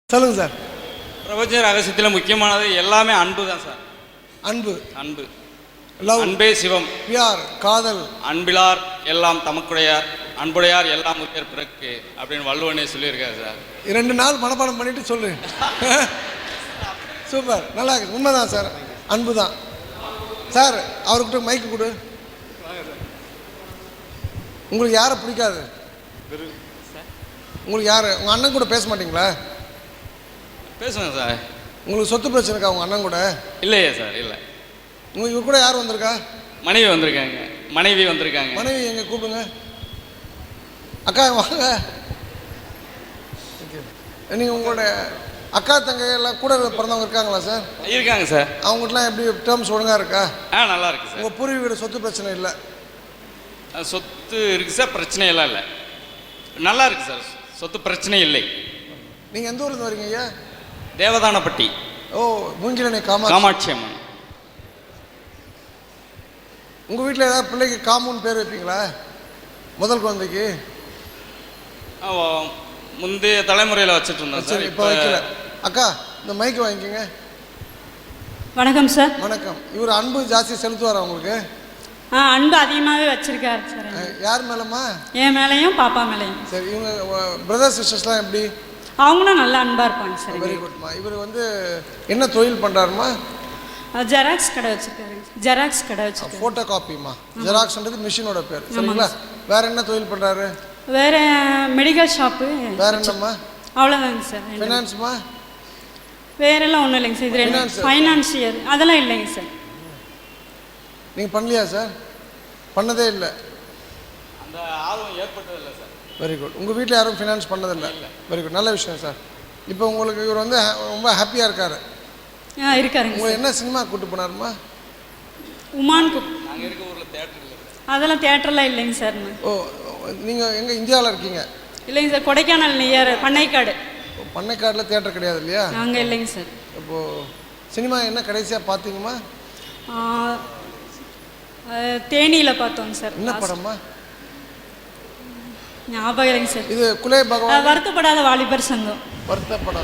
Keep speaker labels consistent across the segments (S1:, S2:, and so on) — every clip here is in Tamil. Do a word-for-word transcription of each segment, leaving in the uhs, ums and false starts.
S1: சொல்லுங்க சார்.
S2: பிரபஞ்ச ரகசியத்தில் முக்கியமானது எல்லாமே அன்பு தான் சார்.
S1: அன்பு
S2: அன்பு
S1: லவ்,
S2: அன்பே சிவம்,
S1: பியார் காதல்,
S2: அன்பிலார் எல்லாம் தமக்குடையார், அன்புடையார் எல்லாம் உயர் பிறக்கு அப்படின்னு வள்ளுவனே சொல்லியிருக்காரு சார்.
S1: இரண்டு நாள் மனப்பாடம் பண்ணிட்டு சொல்லு. சூப்பர், நல்லா இருக்கு. உண்மைதான் சார், அன்பு தான் சார். அவர்கிட்ட மைக்கு கொடு. உங்களுக்கு யாரை பிடிக்காது? உங்களுக்கு யார்? உங்கள் அண்ணன் கூட பேச மாட்டீங்களா?
S2: பேசுவேன் சார்.
S1: உங்களுக்கு சொத்து பிரச்சனை இருக்கா உங்கள் அண்ணன் கூட?
S2: இல்லையே சார், இல்லை.
S1: உங்களுக்கு இவர் கூட யார் வந்திருக்கா?
S2: மனைவி வந்திருக்காங்க. மனைவி வந்திருக்காங்க.
S1: மனைவி எங்கே கூப்பிடுங்க. அக்கா வாங்க. நீங்கள் உங்களோட அக்கா தங்கை எல்லாம் கூட பிறந்தவங்க இருக்காங்களா சார்?
S2: இருக்காங்க சார்.
S1: அவங்ககிட்டலாம் எப்படி டேர்ம்ஸ் ஒழுங்காக இருக்கா?
S2: ஆ, நல்லா இருக்கு சார்.
S1: உங்கள் பூர்வீக சொத்து பிரச்சனை இல்லை?
S2: சொத்து இருக்குது சார், பிரச்சனையெல்லாம் இல்லை, நல்லா இருக்கு சார். சொத்து பிரச்சனை இல்லை.
S1: நீங்கள் எந்த ஊர்லேருந்து வரீங்க ஐயா?
S2: தேவதானப்பட்டி.
S1: ஓ, மூங்கிலனை காமா
S2: காமாட்சி அம்மன்.
S1: உங்கள் வீட்டில் ஏதாவது பிள்ளைக்கு காமுன்னு பேர் வைப்பீங்களா முதல் குழந்தைக்கு?
S2: முந்தைய தலைமுறையில் வச்சுட்டு இருந்தோம் சார்,
S1: இப்போ வைக்கல. அக்கா இந்த மைக்கு வாங்கிக்கோங்க.
S3: வணக்கம் சார்.
S1: வணக்கம். இவர் அன்பு ஜாஸ்தி செலுத்துவாரா உங்களுக்கு?
S3: ஆ, அன்பு அதிகமாகவே வச்சிருக்காரு சார்.
S1: யார் மேலம்மா?
S3: என் மேலேயும் பாப்பா மேலேயும்.
S1: சரி, இவங்க பிரதர்ஸ் சிஸ்டர்ஸ்லாம் எப்படி?
S3: அவங்களும் நல்லா அன்பாக இருப்பாங்க சார்.
S1: வெரி குட்மா. இவர் வந்து என்ன தொழில் பண்ணுறாருமா?
S3: ஜெராக்ஸ் கடை வச்சுருக்காரு. ஜெராக்ஸ் கடை வச்சுருக்காரு.
S1: ஃபோட்டோ காப்பிமா. ஜெராக்ஸ்ன்றது மிஷினோட பேர், சரிங்களா? வேற என்ன தொழில் பண்ணுறாரு?
S3: வேற மெடிக்கல் ஷாப்பு.
S1: வேற என்னம்மா?
S3: அவ்வளோதாங்க சார்.
S1: ஃபினான்ஸ்மா?
S3: வேறெல்லாம் ஒன்றும் இல்லைங்க சார். இது ரெண்டு ஃபைனான்சியர் அதெல்லாம் இல்லைங்க சார்.
S1: நீங்கள் பண்ணலையா சார்? பண்ணதே இல்லை.
S2: அந்த ஆர்வம் ஏற்பட்டதில்லை சார்.
S1: Very good. உங்கள் வீட்டில் யாரும் ஃபினான்ஸ் பண்ணதில்லை? வெரி குட், நல்ல விஷயம் சார். இப்போ உங்களுக்கு இவர் வந்து ரொம்ப ஹாப்பியாக இருக்கார்.
S3: ஆ, இருக்காருங்க.
S1: உங்களை என்ன சினிமா கூப்பிட்டு போனாருமா?
S3: உமான் கு
S2: நாங்கள் இருக்க ஊரில் தேட்டர் இல்லை.
S3: அதெல்லாம் தேட்டர்லாம் இல்லைங்க சார்.
S1: ஓ, நீங்கள் எங்கே இந்தியாவில் இருக்கீங்க?
S3: இல்லைங்க சார், கொடைக்கானல் நியர் பண்ணைக்காடு.
S1: பண்ணைக்காடில் தேட்டர் கிடையாது இல்லையா?
S3: அங்கே இல்லைங்க சார்.
S1: இப்போது சினிமா என்ன கடைசியாக பார்த்தீங்கம்மா?
S3: தேனியில் பார்த்தோங்க சார்.
S1: என்ன படம்மா?
S3: ஞாபகம் இல்லைங்க சார்.
S1: இது குலே பகவான்.
S3: வருத்தப்படாத வாலிபர் சங்கம்.
S1: வருத்தப்படாத.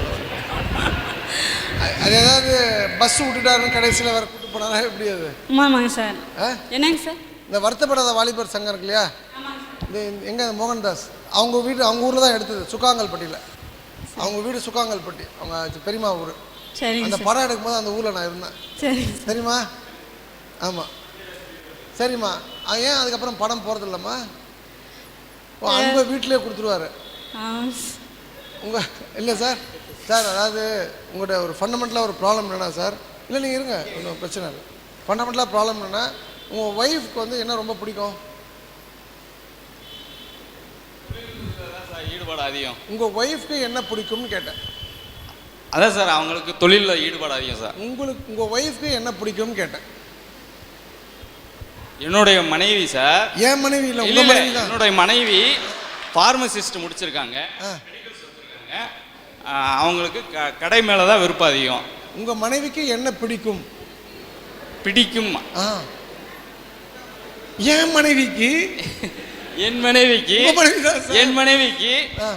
S1: அது ஏதாவது பஸ் விட்டுட்டாருன்னு கடைசியில் வர கூட்டு போனாரா எப்படி? அது
S3: ஆமாங்க சார். என்னங்க சார்?
S1: இந்த வருத்தப்படாத வாலிபர் சங்கம் இருக்கு இல்லையா? இது எங்கே? மோகன்தாஸ் அவங்க வீடு, அவங்க ஊரில் தான் எடுத்தது, சுக்காங்கல்பட்டியில். அவங்க வீடு சுக்காங்கல்பட்டி, அவங்க பெரியமா ஊர்.
S3: சரி.
S1: அந்த படம் எடுக்கும்போது அந்த ஊரில் நான் இருந்தேன். சரி சரிம்மா. ஆமாம் சரிம்மா. ஏன் அதுக்கப்புறம் படம் போகிறது இல்லைம்மா? ஓ, அன்பை வீட்டிலே கொடுத்துருவாரு உங்கள்? இல்லை சார். சார் அதாவது உங்கள்கிட்ட ஒரு ஃபண்டமெண்டலாக ஒரு ப்ராப்ளம் என்னென்னா சார், இல்லை நீங்கள் இருங்க, ஒன்றும் பிரச்சனை இல்லை. ஃபண்டமெண்டலாக ப்ராப்ளம் என்னென்னா, உங்கள் ஒய்ஃப்க்கு வந்து என்ன ரொம்ப பிடிக்கும்?
S2: ஈடுபாடு அதிகம்.
S1: உங்கள் ஒய்ஃப்க்கு என்ன பிடிக்கும்னு கேட்டேன்.
S2: அதான் சார், அவங்களுக்கு தொழிலில் ஈடுபாடு அதிகம் சார்.
S1: உங்களுக்கு உங்கள் ஒய்ஃப்க்கு என்ன பிடிக்கும்னு கேட்டேன்.
S2: என்னுடைய மனைவி சார்.
S1: ஏன் மனைவி இல்லை, உங்கள் மனைவி தான்.
S2: என்னுடைய மனைவி ஃபார்மசிஸ்ட் முடிச்சிருக்காங்க. அவங்களுக்கு க கடை மேலே தான் விருப்பம் அதிகம்.
S1: உங்கள் மனைவிக்கு என்ன பிடிக்கும்?
S2: பிடிக்கும்.
S1: ஆ, என் மனைவிக்கு
S2: என் மனைவிக்கு என் மனைவிக்கு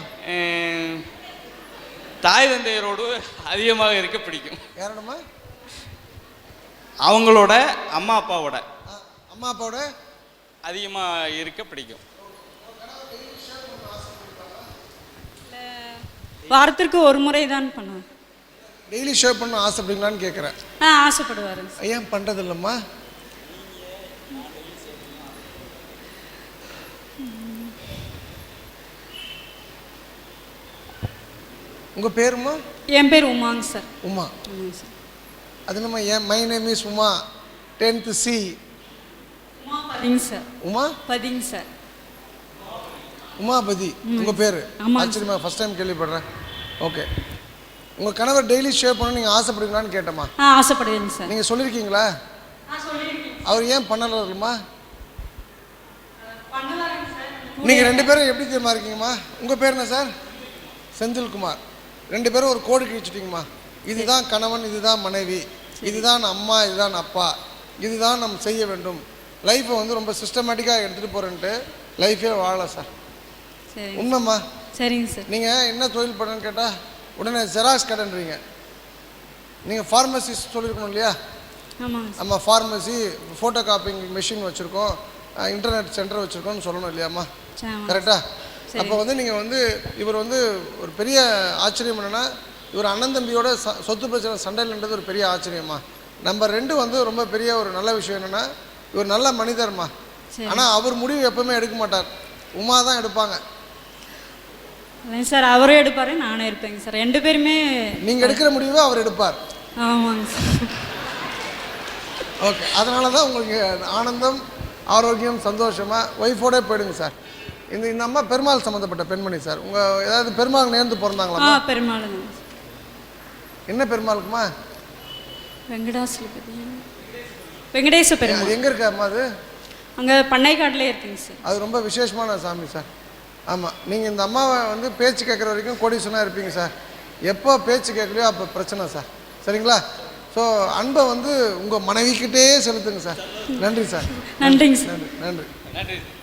S2: தாய் தந்தையரோடு அதிகமாக இருக்க பிடிக்கும்.
S1: யாரோடமா?
S2: அவங்களோட அம்மா அப்பாவோட.
S1: அம்மா அப்பாவோட
S2: அதிகமாக இருக்க பிடிக்கும்.
S3: வாரத்திற்கு ஒரு முறை தான் பண்ணுவேன்.
S1: டெய்லி ஷேவ் பண்ண ஆசைப்படுங்களான்னு கேட்குறேன்.
S3: ஆ, ஆசைப்படுவாரு.
S1: ஏன் பண்ணுறது இல்லைம்மா? உங்கள் பேருமா?
S3: என் பேர் உமாங்க சார்.
S1: உமா. அது என்னம்மா? ஏன் my name is Uma, tenth C.
S3: பதிங்க சார்.
S1: உமா
S3: பதிங்க சார்.
S1: உமாபதி உங்கள் பேர்? ஆச்சரியமா, ஃபஸ்ட் டைம் கேள்விப்படுறேன். ஓகே. உங்கள் கணவர் டெய்லி ஷேவ் பண்ண நீங்கள் ஆசைப்படுவீங்களான்னு கேட்டம்மா.
S3: ஆ, ஆசைப்படுவீங்க சார்.
S1: நீங்கள் சொல்லியிருக்கீங்களா? அவர் ஏன் பண்ணலம்மா? நீங்கள் ரெண்டு பேரும் எப்படி தெரியுமா இருக்கீங்கம்மா? உங்கள் பேர் என்ன சார்? செந்தில்குமார். ரெண்டு பேரும் ஒரு கோடு கிழிச்சிட்டிங்கம்மா. இதுதான் கணவன், இதுதான் மனைவி, இதுதான் அம்மா, இதுதான் அப்பா, இதுதான் நம்ம செய்ய வேண்டும். லைஃப்பை வந்து ரொம்ப சிஸ்டமேட்டிக்காக எடுத்துகிட்டு போகிறேன்ட்டு லைஃபே வாழலாம் சார். உண்மைம்மா.
S3: சரிங்க சார்.
S1: நீங்கள் என்ன தொழில் பண்ணுன்னு கேட்டால் உடனே ஜெராக்ஸ் கடைன்றீங்க. நீங்கள் ஃபார்மசிஸ்ட் சொல்லியிருக்கணும் இல்லையா?
S3: ஆமாங்க சார்.
S1: நம்ம ஃபார்மசி, ஃபோட்டோ காப்பிங் மிஷின் வச்சுருக்கோம், இன்டர்நெட் சென்டர் வச்சுருக்கோம்னு சொல்லணும் இல்லையாம்மா? கரெக்டாக? அப்போ வந்து நீங்கள் வந்து இவர் வந்து ஒரு பெரிய ஆச்சரியம் என்னென்னா, இவர் அண்ணன் தம்பியோட ச சொத்து பிரச்சனை சண்டையில்ன்றது ஒரு பெரிய ஆச்சரியம்மா. நம்பர் ரெண்டு வந்து ரொம்ப பெரிய ஒரு நல்ல விஷயம் என்னென்னா, இவர் நல்ல மனிதர்மா. ஆனால் அவர் முடிவு எப்பவுமே எடுக்க மாட்டார், உமா தான் எடுப்பாங்க.
S3: இல்லைங்க சார், அவரும் எடுப்பார், நானும் இருப்பேங்க சார். ரெண்டு பேருமே
S1: நீங்கள் எடுக்கிற முடிவை அவர் எடுப்பார்.
S3: ஆமாங்க சார்.
S1: ஓகே, அதனால தான் உங்களுக்கு ஆனந்தம், ஆரோக்கியம், சந்தோஷமாக ஒய்ஃபோடே போயிடுங்க சார். இந்த இந்த அம்மா பெருமாள் சம்மந்தப்பட்ட பெண்மணி சார். உங்கள் ஏதாவது பெருமாள் நேர்ந்து பிறந்தாங்களா?
S3: ஆ பெருமாளுங்க.
S1: என்ன பெருமாளுக்குமா?
S3: வெங்கடாசலபதி, வெங்கடேச பெருமாள்.
S1: எங்கே இருக்கா அம்மா அது?
S3: அங்கே பண்ணைக்காட்டிலே இருக்குங்க சார்.
S1: அது ரொம்ப விசேஷமான சாமி சார். ஆமாம், நீங்கள் இந்த அம்மாவை வந்து பேச்சு கேட்குற வரைக்கும் கோடீஸ்வரனாக இருப்பீங்க சார். எப்போ பேச்சு கேட்கலையோ அப்போ பிரச்சனை சார். சரிங்களா? ஸோ அன்பை வந்து உங்கள் மனைவிக்கிட்டே செலுத்துங்க சார். நன்றி சார்.
S3: நன்றிங்க சார்.
S1: நன்றி நன்றி
S2: நன்றி.